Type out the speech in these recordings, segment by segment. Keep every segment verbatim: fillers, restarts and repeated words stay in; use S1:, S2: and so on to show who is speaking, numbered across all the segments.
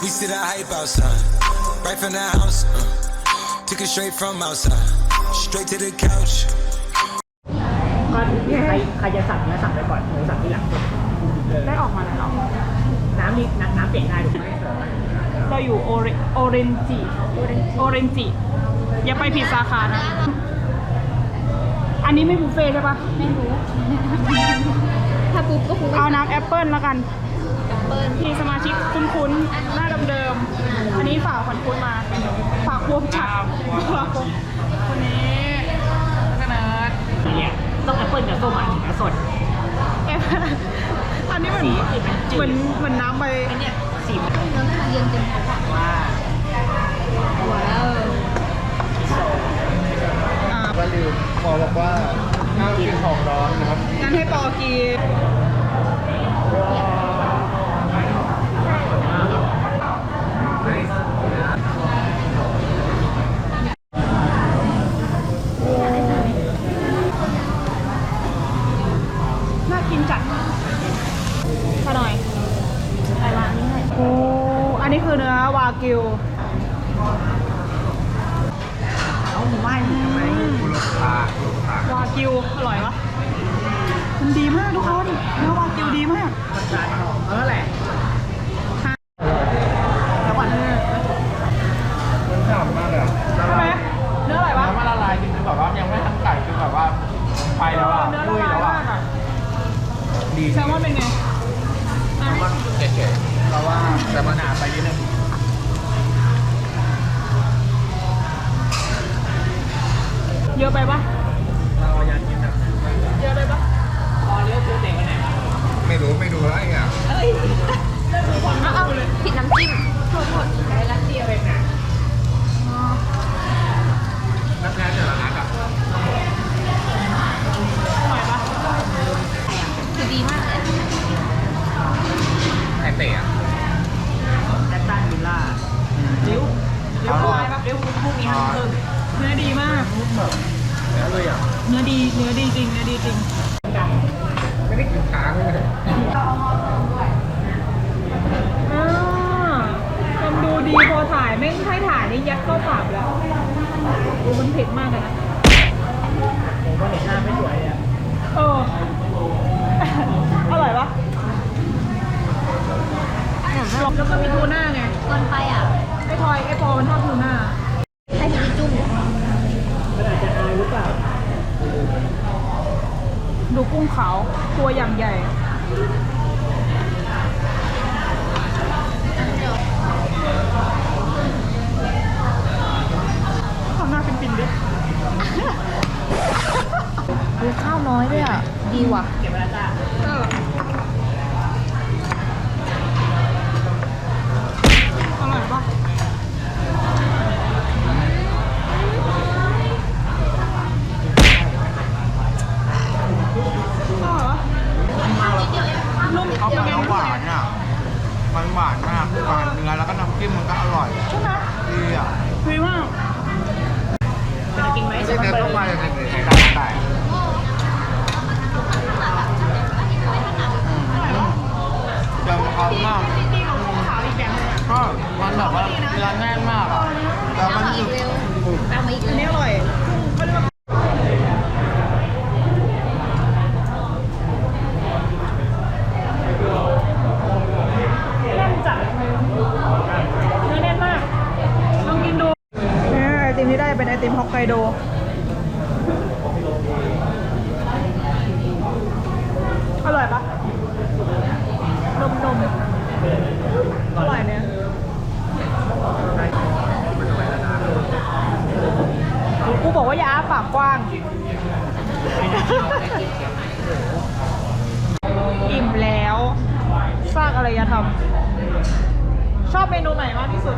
S1: We see the hype outside, right from the house. Uh, took it straight from outside, straight to the couch.
S2: ก็ใครใครจะสั่งเนื้อสั่งไปก่อนหมูสั่งที่หลังได้ออกมาแล้วเนาะน้ำนี่น้ำน้ำเปลี่ยนได้ถูกไหมเราอยู่โอเรโอเรนจิโอเรนจิอย่าไปผิดสาขานะอันนี้ไม่บุฟเฟ่ใช่ปะไม่รู้ถ้าปุ๊บก็คงเอาน้ำแอปเปิลแล้วกันแอปเปิลที่สมาชิกคุ้นๆหน้าเดิมๆอันนี้ฝากขวัญคุณมาฝากควงจัดคนนี้ขนาดเนี่ยต้องแอปเปิลกับส้มอ่ะถึงจะสดอันนี้มันเหมือนเหมือนน้ำใบเนี่ยสีมันน้ำเย็นเต็มปากว่าว้าว
S3: ว่าลืมหมอบอกว่าห้ามกินของร้อนนะครับ
S2: งั้นให้ปอกินน่ากินจัดขอหน่อยไปวางนี่ให้โอ้อันนี้คือเนื้อวากิวเอาหมูไหว้ทำไมวากิวอร่อยวะมันดีมากทุกคนเนื้อวากิวดีมากมันจานหอมเออแหละแล้วก่อนเนื้อ
S3: มันฉ่ำมากเลย
S2: ใช่ไหมเนื้ออะไรวะ
S3: น้ำมันละลายจริงๆแบบว่ายังไม่ทันไก่คือแบบว่าไปแล้วอ่ะ
S2: เนื้อละลายมากอ่ะ
S3: ดี
S2: แซลมอนเป็นไง
S3: แซลมอนเฉยๆเพราะว่าแต่มันหนาไปนิดนึง
S2: เยอะไปปะ
S3: เราอยากกินนะ
S2: เยอะไปปะพอเลี้ยวตัวเด็กกันไหน
S3: ไม่รู้ไม่ดูแล้วไอ้เนี่ย
S2: เอ้ยเอาเอาผิดน้ำจิ้มโทษโทษใช้ร้านเดียวเองนะ
S3: น้ำแท้แต่ละนัดอ่ะ
S2: อร่อยปะ
S4: คือดีมากเลย
S3: ไอเตะอ่ะ
S2: แอตตันวิลล่าริ้วริ้วควายปะริ้วพวกนี้ห้ามเพิ่มเนื้อดีมาก
S3: เนื้อเลยอ่ะ
S2: เนื้อดีเนื้อดีจริงเนื้อดีจริง
S3: ไม่ได้กินค้างเลย
S2: อ่าทำดูดีพอถ่ายไม่ใช่ถ่ายนี่ยัดเข้าปากแล้วโอ้มันเผ็ดมากเลยนะ
S3: ผมก็เห็นหน้าไม่สวยอ่ะ
S2: เอออร่อยปะแล้วก็มีทูน่าไง
S4: คนไปอ่ะ
S2: ไอ้พลอยไอ้ปอมันชอบทูน่า
S4: ให้พี่จุ่ม
S2: มันอาจจะอายหรือเปล่าดูกุ้งขาวตัวอย่างใหญ่ทำหน้าเป็นปิ่นดิ
S4: ดูข้าวน้อยด้วยอ่ะดีว่ะ
S2: เก็บไว้แล้วจ้าเอออร่อยปะนุ่ม
S3: เขาเป็นน้ำหวานอ่ะมันหวานมากหวานเนื้อแล้วก็น้ำจิ้มมันก็อร่อย
S2: ใช่ไหม
S3: ดีอ่ะ
S2: ดีมากจะกินไหม
S3: ไม่ใช่เนื้อต้องมาอย่างไรได้ได้เดี๋ยวมันเอามากก็มันแบบว่าเนื้อแน่นมากอ่ะแล้วมันคือ
S4: ตามมาอีก
S2: อันนี้อร่อยแน่นจัดเนื้อแน่นมากลองกินดูเนี่ยไอติมที่ได้เป็นไอติมฮอกไกโดอร่อยปะนมนมอร่อยเนี่ยกูบอกว่าอย่าอ้าปากกว้างอิ่มแล้วซากอะไรจะทำชอบเมนูไหนมากที่สุด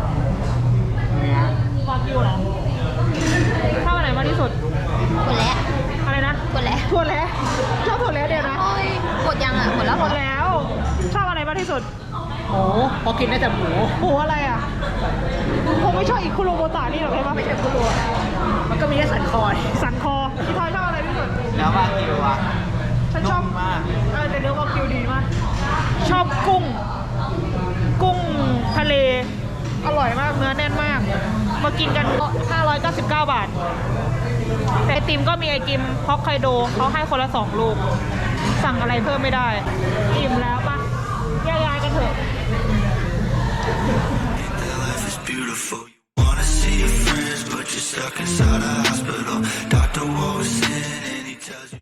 S2: วากิวเหรอชอบอันไหนมากที่สุด
S4: หมดแล้ว
S2: อะไรนะ
S4: หมดแล้ว
S2: ถั่วแล้วชอบถั่วแล้วเดียวนะ
S4: หมดยังอ่ะหมดแล้ว
S2: หมดแล้วชอบอะไรมากที่สุดหมูพอกินได้แต่หมูหมูอะไรอ่ะคงไม่ชอบอีกคุโรโบตะนี่หรอกใช่ปะไม่ใช่คุโรมันก็มีแค่สันคอสันคอพี่ทอยชอบอะไรที่สุด
S3: แล้ววากิวอ่ะ
S2: ฉันชอบ
S3: มาก
S2: เออแต่เนื้อวากิวดีมากชอบกุ้งกุ้งทะเลกินกันห้าร้อยเก้าสิบเก้าบาทแต่ไอติมก็มีไอติมฮอกไกโดเขาให้คนละสองลูกสั่งอะไรเพิ่มไม่ได้อิ่มแล้วปะแยกย้ายกันเถอะ
S1: Life is beautiful. You wanna see your friends, but you're stuck inside a hospital